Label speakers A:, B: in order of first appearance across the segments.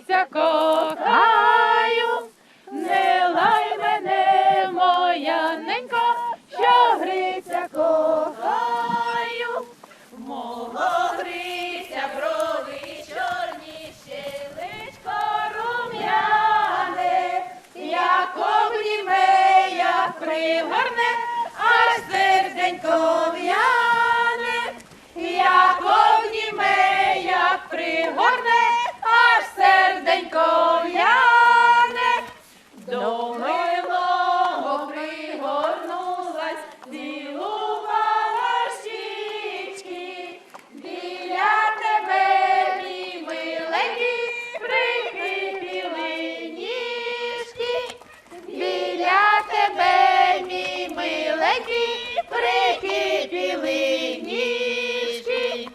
A: гриця кохаю, не лай мене, моя ненько, що гриця кохаю. Мого гриця брови чорні, щелечко рум'яне, як обніме, як пригорне, аж серденько в'яне, як обніме, як пригорне, аж серденько в'яне. До милого пригорнулась, цілувала щічки, біля тебе, мій миленький, прикипіли ніжки, біля тебе, мій миленький, прикипіли ніжки.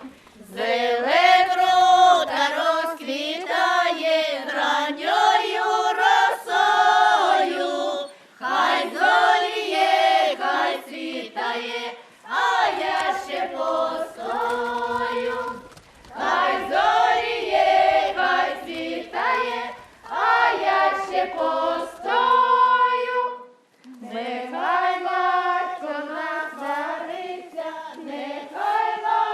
A: Зеленрута розквітає ранньою росою, хай зоріє, хай світає, а я ще постою. Хай зоріє, хай світає, а я ще постою. Нехай батько нас зариться, нехай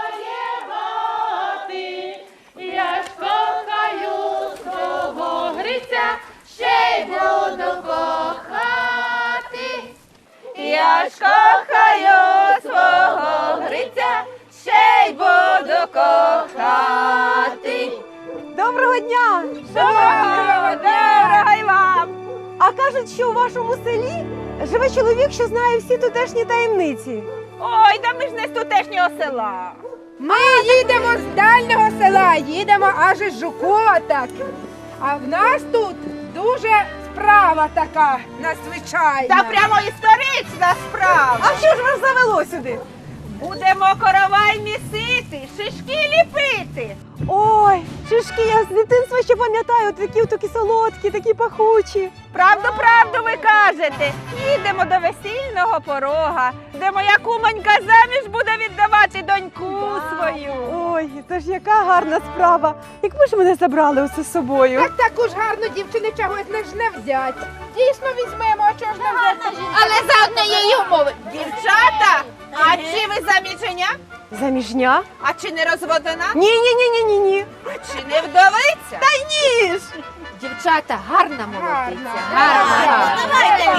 A: воєвати, я ж кохаю свого гриця, ще й буду кохати. Я ж кохаю свого гриця, ще й буду кохати.
B: Доброго дня!
A: Доброго й вам!
B: А кажуть, що у вашому селі живе чоловік, що знає всі тутешні таємниці.
A: Ой, та ми ж не з тутешнього села.
C: Ми їдемо з дальнього села, їдемо аж із Жукова так. А в нас тут дуже справа така надзвичайна.
A: Та прямо історична справа.
B: А що ж вас завело сюди?
A: Будемо коровай місити, шишки ліпити.
B: Ой, шишки, я з дитинства ще пам'ятаю, такі солодкі, такі пахучі.
A: Правду ви кажете. Їдемо до весільного порога, де моя кумонька заміж буде віддавати доньку свою.
B: Ой, це ж яка гарна справа. Якби ж мене забрали усе з собою.
C: Так таку ж гарну дівчину чогось не ж не взять. Дійсно візьмемо, а чого ж не взяти?
A: Але за однієї умови. Дівчата, а чи ви заміження?
B: Заміжня?
A: А чи не розводена?
B: Ні.
A: А чи не вдовиця?
B: Та ні ж!
D: Дівчата, гарна молодиця.
C: Гарна.
A: Давайте,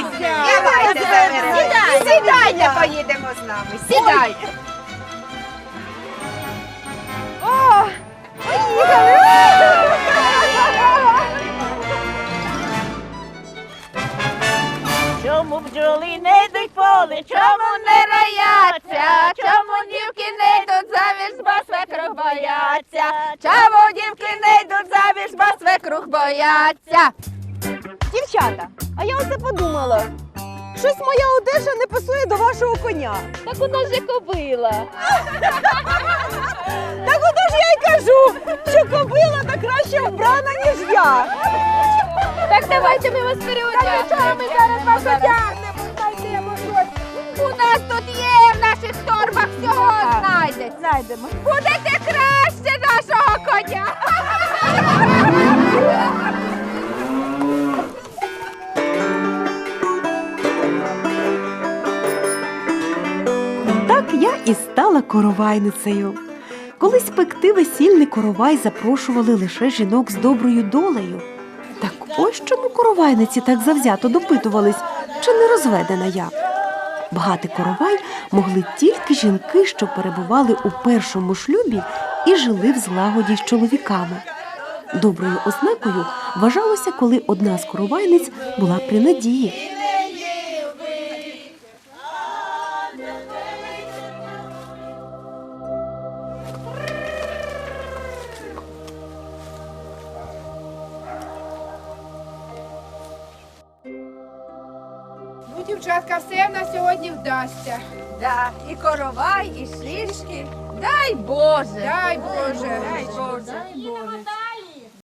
A: сідайте, поїдемо з нами. Сідайте.
B: О, поїхали!
A: Чому бджоли не йдуть поле, чому не рояться, чому дівки не йдуть заміж, бо свекрух бояться, чому дівки не йдуть заміж, бо свекрух бояться.
B: Дівчата, а я оце подумала. Щось моя одежа не пасує до вашого коня.
D: Так у нас же кобила.
B: Так ото ж я й кажу, що кобила та краще вбрана, ніж я.
D: Так давайте ми вас переодягнемо.
C: Нічого, ми зараз вас одягнемо, знайдемо щось.
A: У нас тут є в наших торбах всього знайдеться.
B: Знайдемо.
A: Будете краще нашого коня.
E: Так я і стала коровайницею. Колись пекти весільний коровай запрошували лише жінок з доброю долею. Так ось чому коровайниці так завзято допитувались, чи не розведена я. Багатий коровай могли тільки жінки, що перебували у першому шлюбі і жили в злагоді з чоловіками. Доброю ознакою вважалося, коли одна з коровайниць була при надії.
C: Ну, дівчатка, все в нас сьогодні вдасться.
A: Да, і коровай, і шишки. Дай Боже.
C: Дай Боже.
A: Дай Боже.